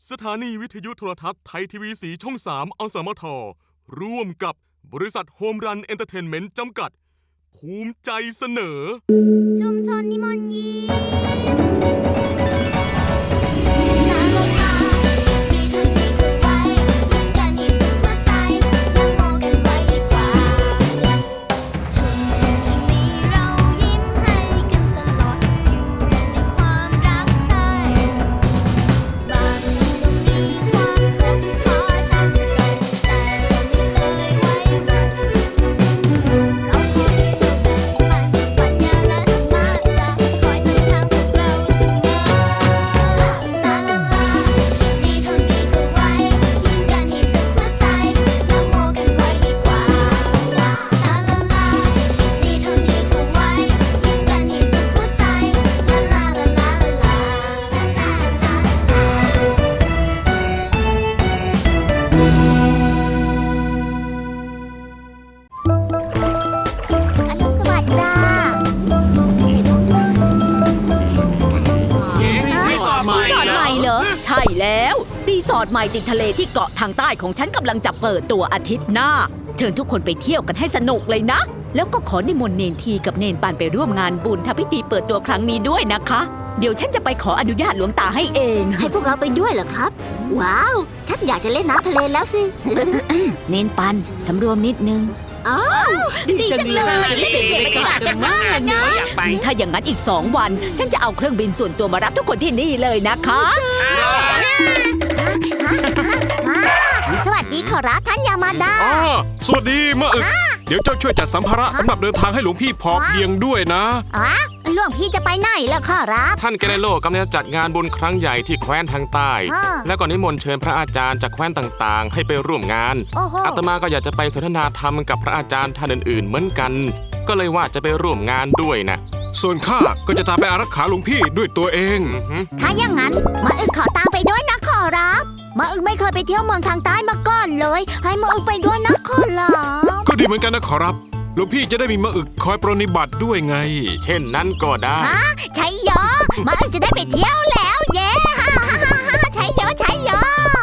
สถานีวิทยุโทรทัศน์ไทยทีวีสีช่อง3อสมทร่วมกับบริษัทโฮมรันเอนเตอร์เทนเมนต์จำกัดภูมิใจเสนอชุมชนนิมนต์ยิ้ใช่แล้วรีสอร์ทใหม่ติดทะเลที่เกาะทางใต้ของฉันกำลังจะเปิดตัวอาทิตย์หน้าเชิญทุกคนไปเที่ยวกันให้สนุกเลยนะแล้วก็ขอนิมนต์เนนทีกับเนนปานไปร่วมงานบุญทำพิธีเปิดตัวครั้งนี้ด้วยนะคะเดี๋ยวฉันจะไปขออนุญาตหลวงตาให้เองให้พวกเราไปด้วยเหรอครับว้าวฉันอยากจะเล่นน้ำทะเลแล้วสิเนนปันสำรวมนิดนึงอ้าวดีจังเลยเปลี่ยนบรรยากาศกันมากนะถ้าอย่างนั้นอีก2 วันฉันจะเอาเครื่องบินส่วนตัวมารับทุกคนที่นี่เลยนะคะสวัสดีขอรับท่านยามาดาสวัสดีมะอึกเดี๋ยวเจ้าช่วยจัดสัมภาระสำหรับเดินทางให้หลวงพี่พอเพียงด้วยนะหลวงพี่จะไปไหนล่ะขอรับท่านเกเรโลกำลังจะจัดงานบุญครั้งใหญ่ที่แคว้นทางใต้และก็นิมนต์เชิญพระอาจารย์จากแคว้นต่างๆให้ไปร่วมงานอาตมาก็อยากจะไปสนทนาธรรมกับพระอาจารย์ท่านอื่นๆเหมือนกันก็เลยว่าจะไปร่วมงานด้วยนะส่วนข้าก็จะตามไปอารักขาหลวงพี่ด้วยตัวเองถ้าอย่างนั้นมะอึกขอตามไปด้วยนะขอรับมะอึกไม่เคยไปเที่ยวเมืองทางใต้มาก่อนเลยให้มะอึกไปด้วยนะขอรับก็ดีเหมือนกันนะขอรับหลวงพี่จะได้มีมะอึกคอยปรนนิบัติด้วยไงเช่นนั้นก็ได้ใช่ยอมะอึกจะได้ไปเที่ยวแล้วเย้ใช่ยอใช่ยอ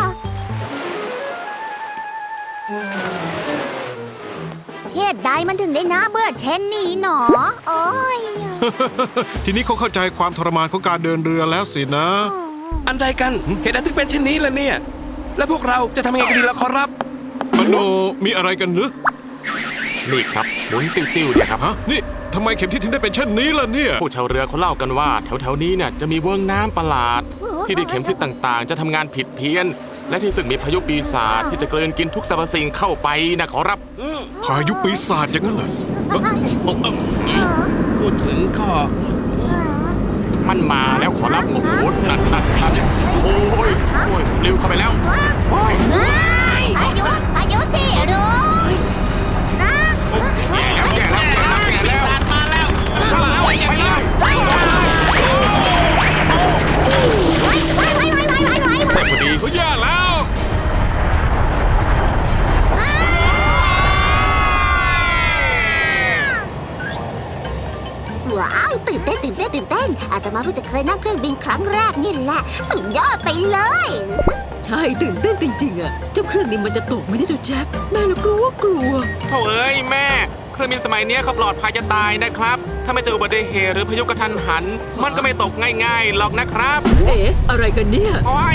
เหตุใดมันถึงได้น่าเบื่อเช่นนี้หนอโอ้ยทีนี้เขาเข้าใจความทรมานของการเดินเรือแล้วสินะอันใดกันเหตุใดถึงเป็นเช่นนี้ล่ะเนี่ยแล้วพวกเราจะทำยังไงกันดีล่ะขอรับมโนมีอะไรกันหรือนี่ครับหมุนติ้วๆเนี่ยครับนี่ทำไมเข็มทิศถึงได้เป็นเช่นนี้ล่ะเนี่ยผู้ชาวเรือเขาเล่ากันว่าแถวๆนี้เนี่ยจะมีเวิ้งน้ำประหลาดที่ได้เข็มทิศต่างๆจะทำงานผิดเพี้ยนและที่ซึ่งมีพายุปีศาจที่จะกลืนกินทุกสรรพสิ่งเข้าไปนะขอรับพายุปีศาจอย่างนั้นเหรอพูดถึงก็มันมาแล้วขอรับโอ้โหนั่นโอ้ยเร็วเข้าไปแล้วพายุสิรุ้งนะแย่แล้วปีศาจมาแล้วเข้าแล้วไปเลยพอดีเขาแย่แล้วว้าวตื่นเต้นอาตมาเพิ่งจะเคยนั่งเครื่องบินครั้งแรกนี่แหละสุดยอดไปเลยใช่ตื่นเต้นจริงๆอ่ะเจ้าเครื่องนี้มันจะตกไม่ได้ดูแจ็คแม่เรากลัวโถ่เอ้ยแม่เครื่องบินสมัยนี้เขาปลอดภัยจะตายนะครับถ้าไม่เจออุบัติเหตุหรือพายุกระทันหันมันก็ไม่ตกง่ายๆหรอกนะครับอะไรกันเนี่ยโอ้ย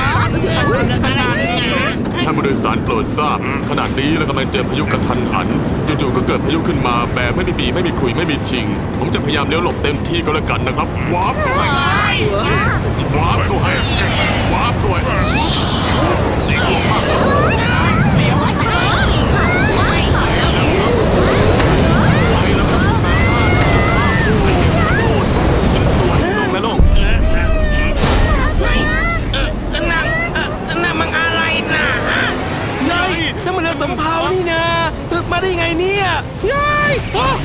ท่านผู้โดยสารโปรดทราบขณะนี้เรากำลังเจอพายุกระทันหันจู่ๆก็เกิดพายุขึ้นมาแบบไม่มีปีไม่มีคุยไม่มีชิงผมจะพยายามเลี้ยวหลบเต็มที่ก็แล้วกันนะครับว้าวด้วยนั่นมันเรือสำเภานี่นะมาได้ไงเนี่ยยัย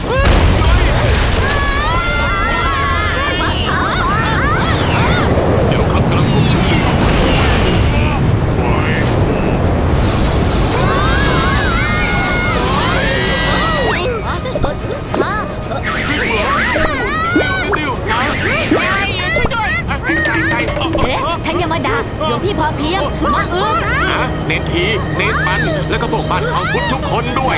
เดี๋ยวครับกำลังควบคุมท่านยามาดาหลวงพี่พอเพียงเนนทีเนนปันแล้วก็พวกบ้านของพุทธทุกคนด้วย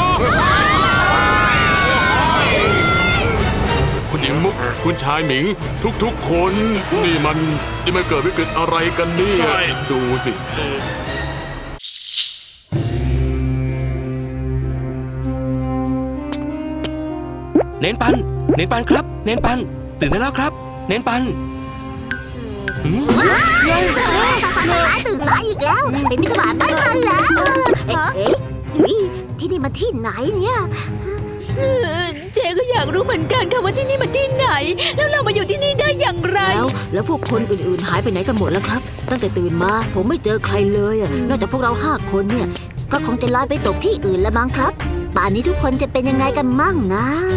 คุณหญิงมุกคุณชายหมิงทุกๆคนนี่มันเกิดวิกฤตอะไรกันเนี่ยดูสิเน้นปันครับ เน้นปัน ตื่นได้แล้วครับ เน้นปันตื่นสายอีกแล้วเป็นมิตรบาทไม่ทันแล้วที่นี่มาที่ไหนเนี่ยเจ๊ก็อยากรู้เหมือนกันค่ะว่าที่นี่มันที่ไหน แล้วเรามาอยู่ที่นี่ได้อย่างไรแล้วพวกคนอื่นๆหายไปไหนกันหมดแล้วครับ ตั้งแต่ตื่นมาผมไม่เจอใครเลยอะนอกจากพวกเรา5 คนเนี่ยก็คงจะลอยไปตกที่อื่นแล้วมั้งครับ ป่านนี้ทุกคนจะเป็นยังไงกันมั่งนะ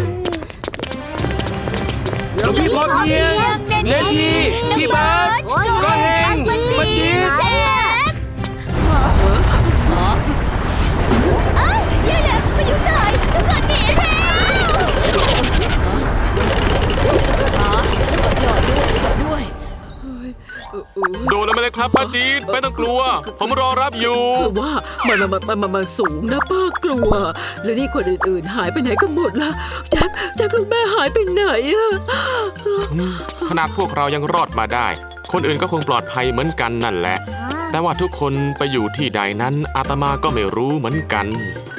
หลวงพี่พอเพียงเนนทีพี่บาสก็เฮงมาจีดย่าแล้วมาอยู่ไหนทุกคนหนีด้วยโดนอะไรครับป้าจีดไม่ต้องกลัว ผมรอรับอยู่คือว่ามันสูงนะป้ากลัว แล้วนี่คนอื่นๆหายไปไหนกันหมดล่ะแจ็คลูกแม่หายไปไหนอะขนาดพวกเรายังรอดมาได้ คนอื่นก็คงปลอดภัยเหมือนกันนั่นแหละ แต่ว่าทุกคนไปอยู่ที่ใดนั้นอาตมาก็ไม่รู้เหมือนกัน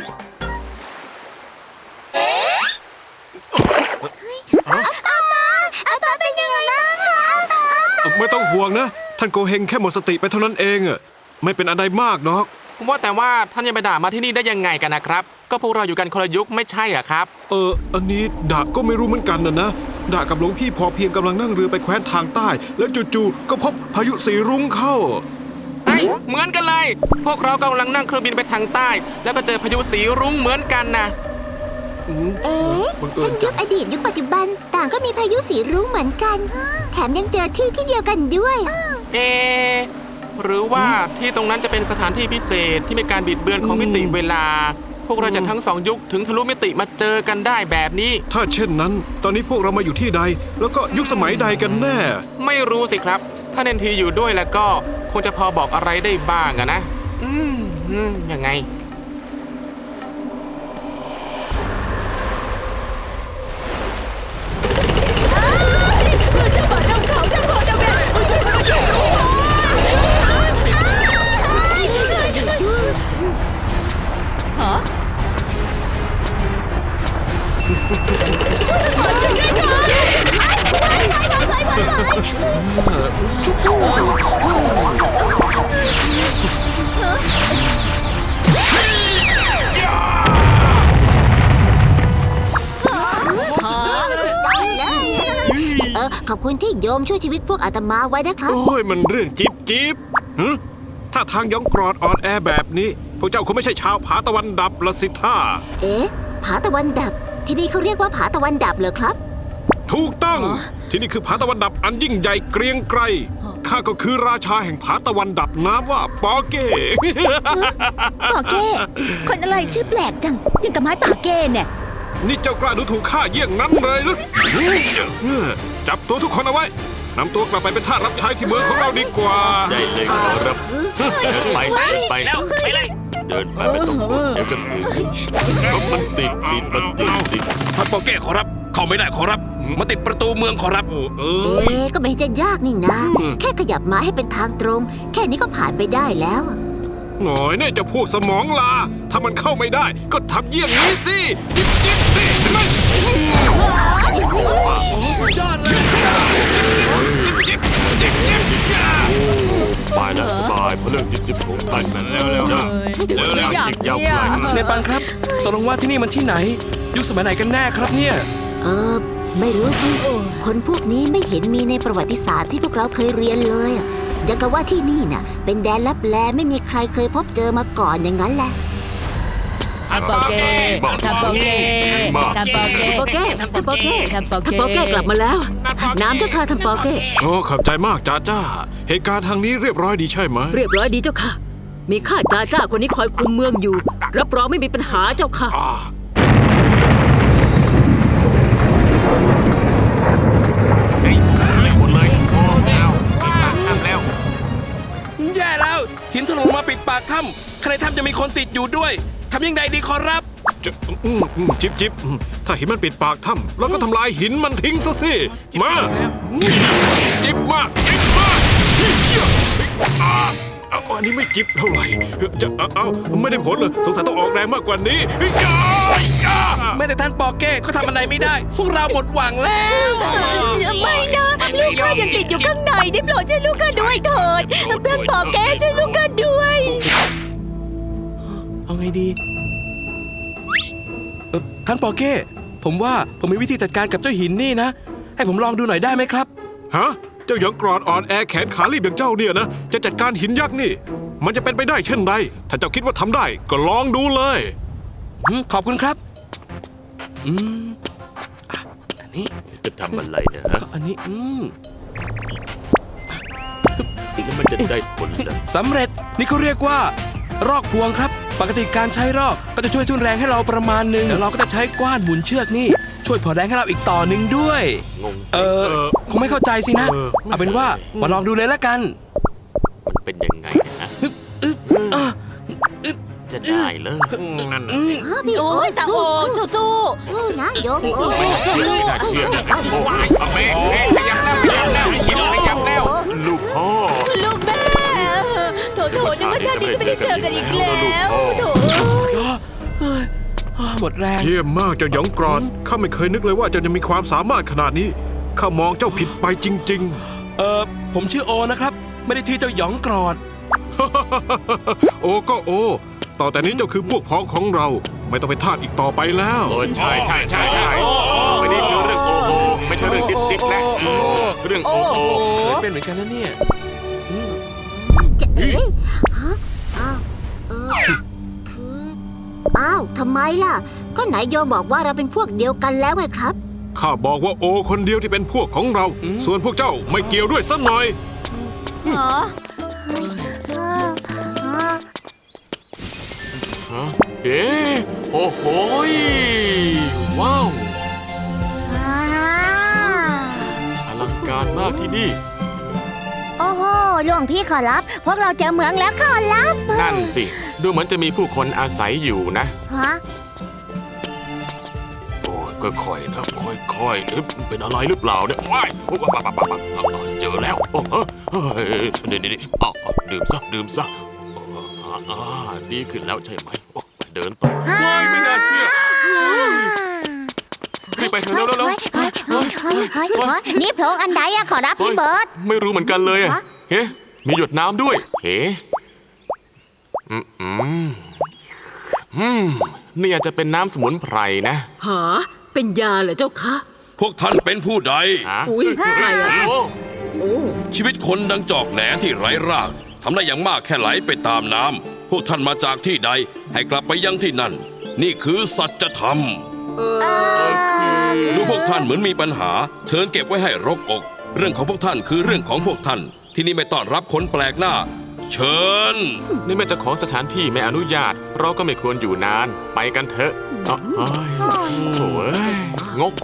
อาตาเป็นยังไงบ้างคะไม่ต้องห่วงนะ ท่านโกเฮงแค่หมดสติไปเท่านั้นเองอะไม่เป็นอะไรมากหรอกว่าแต่ว่าท่านยังไปด่ามาที่นี่ได้ยังไงกันนะครับ ก็พวกเราอยู่กันคนละยุคไม่ใช่เหรอครับอันนี้ดาก็ไม่รู้เหมือนกันนะดากับหลวงพี่พอเพียงกำลังนั่งเรือไปแคว้นทางใต้ แล้วจู่ๆก็พบพายุสีรุ้งเข้าเฮ้ยเหมือนกันเลย พวกเรากำลังนั่งเครื่องบินไปทางใต้ แล้วก็เจอพายุสีรุ้งเหมือนกันนะเอ๊ะบังเอิทั้ญงยุคอดีตยุคปัจจุบันต่างก็มีพายุสีรุ้งเหมือนกัน แถมยังเจอที่เดียวกันด้วยเอะหรือว่าที่ตรงนั้นจะเป็นสถานที่พิเศษที่มีการบิดเบือนของมิติเวลา พวกเราจะทั้งสองยุคถึงทะลุมิติมาเจอกันได้แบบนี้ถ้าเช่นนั้น ตอนนี้พวกเรามาอยู่ที่ใด แล้วก็ยุคสมัยใดกันแน่ไม่รู้สิครับ ถ้าเนนทีอยู่ด้วยแล้วก็คงจะพอบอกอะไรได้บ้างอะนะ ยังไงขอบคุณที่โยมช่วยชีวิตพวกอาตมาไว้นะครับโอ้ยมันเรื่องจิ๊บถ้าทางยองกรอดอ่อนแอแบบนี้ พวกเจ้าคงไม่ใช่ชาวผาตะวันดับละสิท่าเอ๊ะ ผาตะวันดับ ที่นี่เขาเรียกว่าผาตะวันดับเหรอครับถูกต้อง ที่นี่คือผาตะวันดับอันยิ่งใหญ่เกรียงไกรข้าก็คือราชาแห่งผาตะวันดับน้ำว่าปอเก้ป่าเก้คนอะไรชื่อแปลกจังยังกับไม้ป่าเก้เนี่ยนี่เจ้ากล้าดูถูกข้าเยี่ยงนั้นเลยหรือจับตัวทุกคนเอาไว้นำตัวกลับไปเป็นทาสรับใช้ที่เมืองของเราดีกว่าได้เลยครับเดินไปไปแล้วไปเลยเดินไปไม่ต้องกลัวเดี๋ยวจะถึงมันติดมันติดท่านโปเก้ขอรับ เข้าไม่ได้ขอรับ มาติดประตูเมืองขอรับเอเอ๊ะ ก็ไม่เห็นจะยากนี่นะ แค่ขยับม้าให้เป็นทางตรง แค่นี้ก็ผ่านไปได้แล้วหน่อยเนี่ยจะพวกสมองลา ถ้ามันเข้าไม่ได้ ก็ทำเยี่ยงนี้สิจิ๊บนี่เห็นไหมยอดเลยจิ๊บไปแล้วสบายเพราะเรื่องจิ๊บของท่านเร็วอีกยาวไกลเนนปันครับตกลงว่าที่นี่มันที่ไหน ยุคสมัยไหนกันแน่ครับเนี่ยไม่รู้สิ คนพวกนี้ไม่เห็นมีในประวัติศาสตร์ที่พวกเราเคยเรียนเลยอะยังกับว่าที่นี่น่ะ เป็นแดนลับแลไม่มีใครเคยพบเจอมาก่อนอย่างนั้นแหละทัมโปเก้ทัมโปเก้ทัมโปเก้ทัมโปเก้ทัมโปเก้ทัมโปทัมเก้โปเก้กลับมาแล้ว น้ำเจ้าค่ะทัมโปเก้โอ้ขอบใจมากจ้าเหตุการณ์ทางนี้เรียบร้อยดีใช่ไหมเรียบร้อยดีเจ้าค่ะ มีข้าจ้าคนนี้คอยคุมเมืองอยู่ รับรองไม่มีปัญหาเจ้าค่ะหมดเลยโอ้แล้วทำแล้วแย่แล้ว หินถล่มมาปิดปากถ้จะมีคนติดอยู่ด้วยทำยังไงดีขอรับจะจิบถ้าหินมันปิดปากถ้ำเราก็ทำลายหินมันทิ้งซะสิมาจิบมากอันนี้ไม่จิบเท่าไหร่จะไม่ได้ผลเลยสงสัยต้องออกแรงมากกว่านี้แม้แต่ท่านปอเก้ก็ทำอะไรไม่ได้ พวกเราหมดหวังแล้วไม่นะ ลูกข้ายังติดอยู่ข้างในได้โปรดช่วยลูกข้าด้วยเถิดเพื่อนปอแกช่วยลูกข้าด้วยเอาไงดีท่านปอเก้ผมว่าผมมีวิธีจัดการกับเจ้าหินนี่นะ ให้ผมลองดูหน่อยได้ไหมครับฮะเจ้าหยองกรอดอ่อนแอแขนขาลีบอย่างเจ้าเนี่ยนะจะจัดการหินยักษ์นี่ มันจะเป็นไปได้เช่นไรถ้าเจ้าคิดว่าทำได้ก็ลองดูเลยขอบคุณครับอันนี้จะทำอะไรเนี่ยอันนี้แล้วมันจะได้ผลเหรอสำเร็จนี่เขาเรียกว่า รอกพวงครับ ปกติการใช้รอกก็จะช่วยทุนแรงให้เราประมาณหนึ่งแล้วเราก็จะใช้กว้านหมุนเชือกนี่ช่วยพอแรงให้เราอีกต่อหนึ่งด้วยงงคงไม่เข้าใจสินะ เอาเป็นว่ามาลองดูเลยละกันมันเป็นยังไงเนี่ยนะจะได้เลยนั่นพี่โอ้โอ้ยตาโอสู้สู้นะโยมสู้ไม่น่าเชื่อนะเอาแม่ขยับแล้วลูกพ่อๆลูกแม่โถนึกว่าชาตินี้จะไม่ได้เจอกันอีกแล้วโถหมดแรงเยี่ยมมากเจ้าหยองกรอดข้าไม่เคยนึกเลยว่าเจ้าจะมีความสามารถขนาดนี้ข้ามองเจ้าผิดไปจริงผมชื่อโอนะครับ ไม่ได้ชื่อเจ้าหยองกรอดๆ โอก็โอ ต่อแต่นี้เจ้าคือพวกพ้องของเรา ไม่ต้องเป็นทาสอีกต่อไปแล้วโอ้ใช่ไม่ได้เรื่องโอโอไม่ใช่เรื่องจิ๊บนะเรื่องโอโอเคยเป็นเหมือนกันนะเนี่ยเอ๊ะฮะอ้าวคืออ้าวทำไมล่ะ ก็ไหนโยมบอกว่าเราเป็นพวกเดียวกันแล้วไงครับข้าบอกว่าโอคนเดียวที่เป็นพวกของเรา ส่วนพวกเจ้าไม่เกี่ยวด้วยสักหน่อยเอ๊ะโอ้โหว้าวอลังการมากที่นี่โอ้โหหลวงพี่ขอรับ พวกเราเจอเหมืองแล้วขอรับนั่นสิดูเหมือนจะมีผู้คนอาศัยอยู่นะฮะโอ้ยค่อยๆนะค่อยๆเป็นอะไรหรือเปล่าเนี่ยว้ายเจอแล้วโอ้เดี๋ยวดื่มซะดีขึ้นแล้วใช่ไหมเดินต่อว้ายไม่น่าเชื่อรีบไปเถอะเร็วนี่โพรงอันใดอะขอรับพี่เบิร์ตไม่รู้เหมือนกันเลยเฮ้มีหยดน้ำด้วยเฮ้นี่อาจจะเป็นน้ำสมุนไพรนะหาเป็นยาเหรอเจ้าคะพวกท่านเป็นผู้ใดอุ้ยใครอะโอ้ชีวิตคนดังจอกแหนที่ไร้รากทำได้อย่างมากแค่ไหลไปตามน้ำพวกท่านมาจากที่ใด ให้กลับไปยังที่นั่น นี่คือสัจธรรม ดูพวกท่านเหมือนมีปัญหา เชิญเก็บไว้ให้รกอก เรื่องของพวกท่านคือเรื่องของพวกท่าน ที่นี่ไม่ต้อนรับคนแปลกหน้า เชิญนี่แม่เจ้าของสถานที่ไม่อนุญาต เราก็ไม่ควรอยู่นาน ไปกันเถอะโถ่งก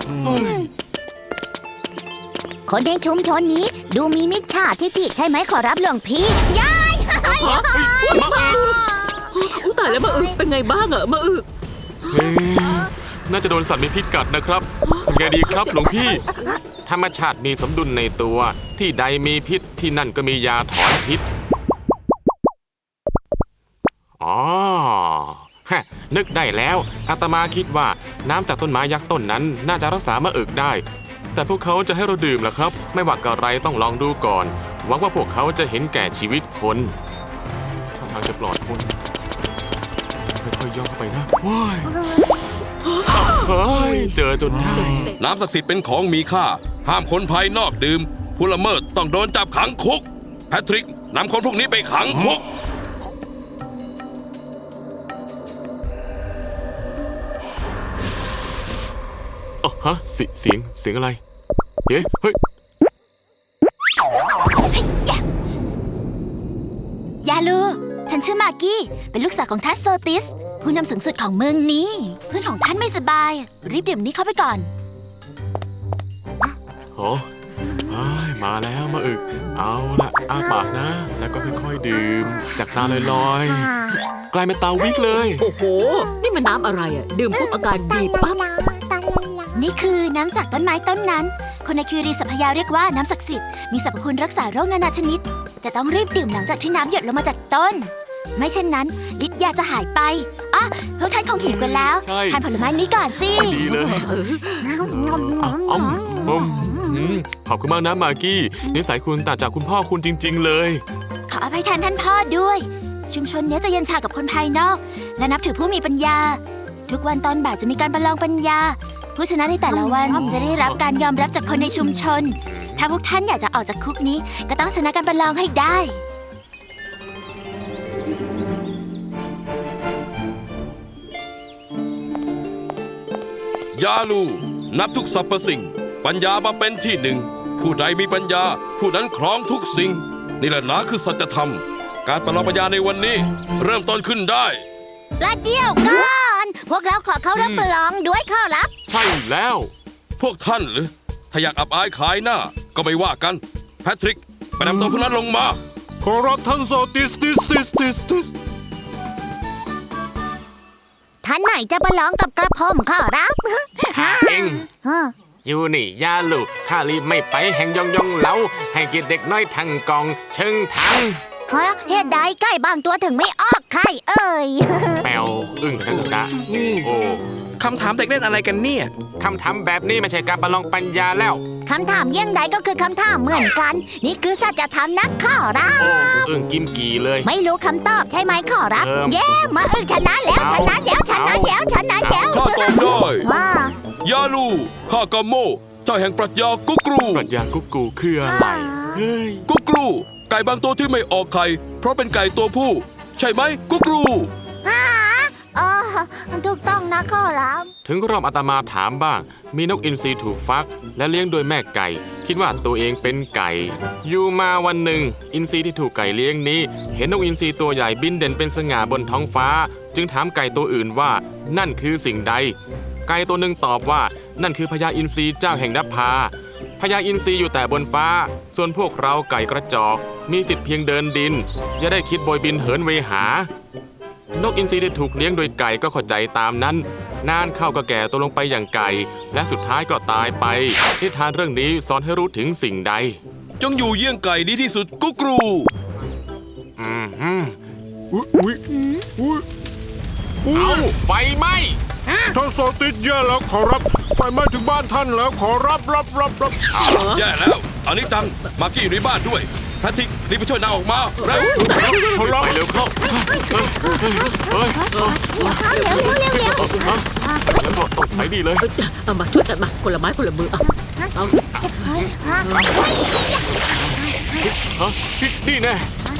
คนในชุมชนนี้ดูมีมิจฉาทิฐิใช่ไหมขอรับหลวงพี่ยายตายแล้วมาอึเป็นไงบ้างอะมาอึน่าจะโดนสัตว์มีพิษกัดนะครับทำไงดีครับหลวงพี่ ธรรมชาติมีสมดุลในตัว ที่ใดมีพิษที่นั่นก็มียาถอนพิษนึกได้แล้วอาตมาคิดว่าน้ำจากต้นไม้ยักษ์ต้นนั้นน่าจะรักษามะอึกได้ แต่พวกเขาจะให้เราดื่มเหรอครับ ไม่ว่าอะไรต้องลองดูก่อนหวังว่าพวกเขาจะเห็นแก่ชีวิตคนท่าทางจะปลอดคนค่อยๆย่องเข้าไปนะว้ายเฮ้ยเจอจนได้น้ำศักดิ์สิทธิ์เป็นของมีค่า ห้ามคนภายนอกดื่ม ผู้ละเมิดต้องโดนจับขังคุก แพทริกนำคนพวกนี้ไปขังคุกเสียงอะไรเฮ้ยยาลูฉันชื่อมากกี้เป็นลูกสาวของท่านโซติสผู้นำสูงสุดของเมืองนี้เพื่อนของท่านไม่สบายรีบดื่มนี้เข้าไปก่อนโอ้มาแล้วมาอึกเอาละอ้าปากนะ แล้วก็ค่อยๆดื่มจากตาลอยๆกลายเป็นตาวิกเลยโอ้โห นี่มันน้ำอะไรอ่ะ ดื่มปุ๊บอาการดีปั๊บนี่คือน้ำจากต้นไม้ต้นนั้น คนในคิรีสัพยาเรียกว่าน้ำศักดิ์สิทธิ์ มีสรรพคุณรักษาโรคนานาชนิด แต่ต้องรีบดื่มหลังจากที่น้ำหยดลงมาจากต้น ไม่เช่นนั้นฤทธิ์ยาจะหายไปอ่ะพวกท่านคงหิวกันแล้วใช่ทานผลไม้นี้ก่อนสิดีเลยขอบคุณมากนะมากกี้นิสัยคุณต่างจากคุณพ่อคุณจริง ๆ เลยขออภัยแทนท่านพ่อด้วย ชุมชนเนี้ยจะเย็นชากับคนภายนอก และนับถือผู้มีปัญญา ทุกวันตอนบ่ายจะมีการประลองปัญญา ผู้ชนะในแต่ละวันจะได้รับการยอมรับจากคนในชุมชน ถ้าพวกท่านอยากจะออกจากคุกนี้ ก็ต้องชนะการประลองให้ได้ยาลูนับทุกสรรพสิ่ง ปัญญามาเป็นที่หนึ่ง ผู้ใดมีปัญญา ผู้นั้นครองทุกสิ่ง นี่แหละนะคือสัจธรรม การประลองปัญญาในวันนี้ เริ่มต้นขึ้นได้ประเดี๋ยวก่อน พวกเราขอเข้ารับประลองด้วยข้อรับใช่แล้วพวกท่านหรือ ถ้าอยากอับอายขายหน้า ก็ไม่ว่ากัน แพทริก ไปนำตัวพวกนั้นลงมาขอรับท่านโซติสติสติสติสติสท่านไหนจะประลองกับกระผมขอรับข้าเอง อยู่นี่ยาลูกข้ารีบไม่ไปแห่งยองยองเหลาให้เกียรติเด็กน้อยทั้งกองเชิงทั้งเหตุใดไก่บางตัวถึงไม่ออกไข่เอ่ยแปวอึ้งกันกะโอ้คำถามเด็กเล่นอะไรกันเนี่ยคำถามแบบนี้ไม่ใช่การประลองปัญญาแล้วคำถามเยี่ยงใดก็คือคำถามเหมือนกัน นี่คือสัจธรรมนักขอรับโอ้อึ้งกิมกี่เลยไม่รู้คำตอบใช่ไหมขอรับเยี่เย้มาชนะแล้วชนะแล้วชนะแล้วชนะแล้วข้าตอบได้ว้ายาลูข้ากาโม เจ้าแห่งปรัชญากุกรูปรัชญากุ๊กกูคืออะไรเฮ้ยกุกรู ไก่บางตัวที่ไม่ออกไข่ เพราะเป็นไก่ตัวผู้ ใช่ไหมกุกรูอ๋อถูกต้องนะขอรับถึงรอบอาตมาถามบ้าง มีนกอินทรีถูกฟัก และเลี้ยงโดยแม่ไก่ คิดว่าตัวเองเป็นไก่ อยู่มาวันหนึ่ง อินทรีที่ถูกไก่เลี้ยงนี้ เห็นนกอินทรีตัวใหญ่บินเด่นเป็นสง่าบนท้องฟ้า จึงถามไก่ตัวอื่นว่านั่นคือสิ่งใด ไก่ตัวหนึ่งตอบว่านั่นคือพญาอินทรีเจ้าแห่งนภาพญาอินทรีอยู่แต่บนฟ้า ส่วนพวกเราไก่กระจอก มีสิทธิ์เพียงเดินดิน อย่าได้คิดโบยบินเหินเวหา นกอินทรีที่ถูกเลี้ยงโดยไก่ก็เข้าใจตามนั้น นานเข้าก็แก่ตัวลงไปอย่างไก่ และสุดท้ายก็ตายไปนิทานเรื่องนี้สอนให้รู้ถึงสิ่งใดจงอยู่เยี่ยงไก่ดีที่สุดกุกรูอุ๊ยอุ๊ยเอาไฟไหมท่านโซติสแย่แล้วขอรับไฟไหม้ถึงบ้านท่านแล้วขอรับแย่แล้วอันนี้จัง มากกี้อยู่ในบ้านด้วย แพทริกรีบไปช่วยนางออกมา เร็วขอรับไปเร็วเข้าเฮ้ยเดี๋ยวบอกต้องใช้ดีเลยเอามาช่วยกันมาคนละไม้คนละมือเอาสิฮะนี่แน่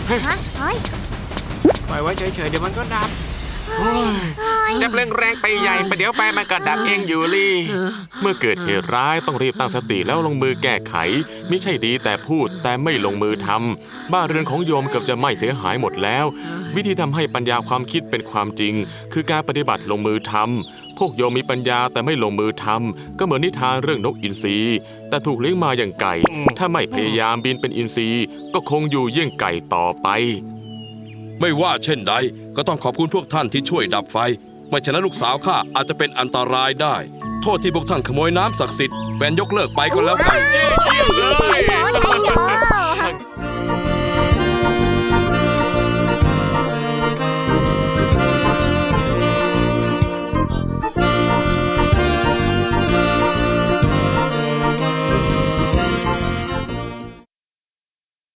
ปล่อยไว้เฉยๆเดี๋ยวมันก็ดับจับเร่งแรงไปใหญ่ประเดี๋ยวไปมันก็ดับเองอยู่ลี่ เมื่อเกิดเหตุร้ายต้องรีบตั้งสติแล้วลงมือแก้ไขไม่ใช่ดีแต่พูดแต่ไม่ลงมือทำบ้านเรือนของโยมเกือบจะไหม้เสียหายหมดแล้ว วิธีทำให้ปัญญาความคิดเป็นความจริง คือการปฏิบัติลงมือทำพวกโยมมีปัญญาแต่ไม่ลงมือทำก็เหมือนนิทานเรื่องนกอินทรีแต่ถูกเลี้ยงมาอย่างไก่ ถ้าไม่พยายามบินเป็นอินทรีก็คงอยู่เยี่ยงไก่ต่อไปไม่ว่าเช่นใดก็ต้องขอบคุณพวกท่านที่ช่วยดับไฟ ไม่ฉะนั้นลูกสาวข้าอาจจะเป็นอันตรายได้ โทษที่พวกท่านขโมยน้ำศักดิ์สิทธิ์แบนยกเลิกไปก็แล้วกันเยี่ยมเลย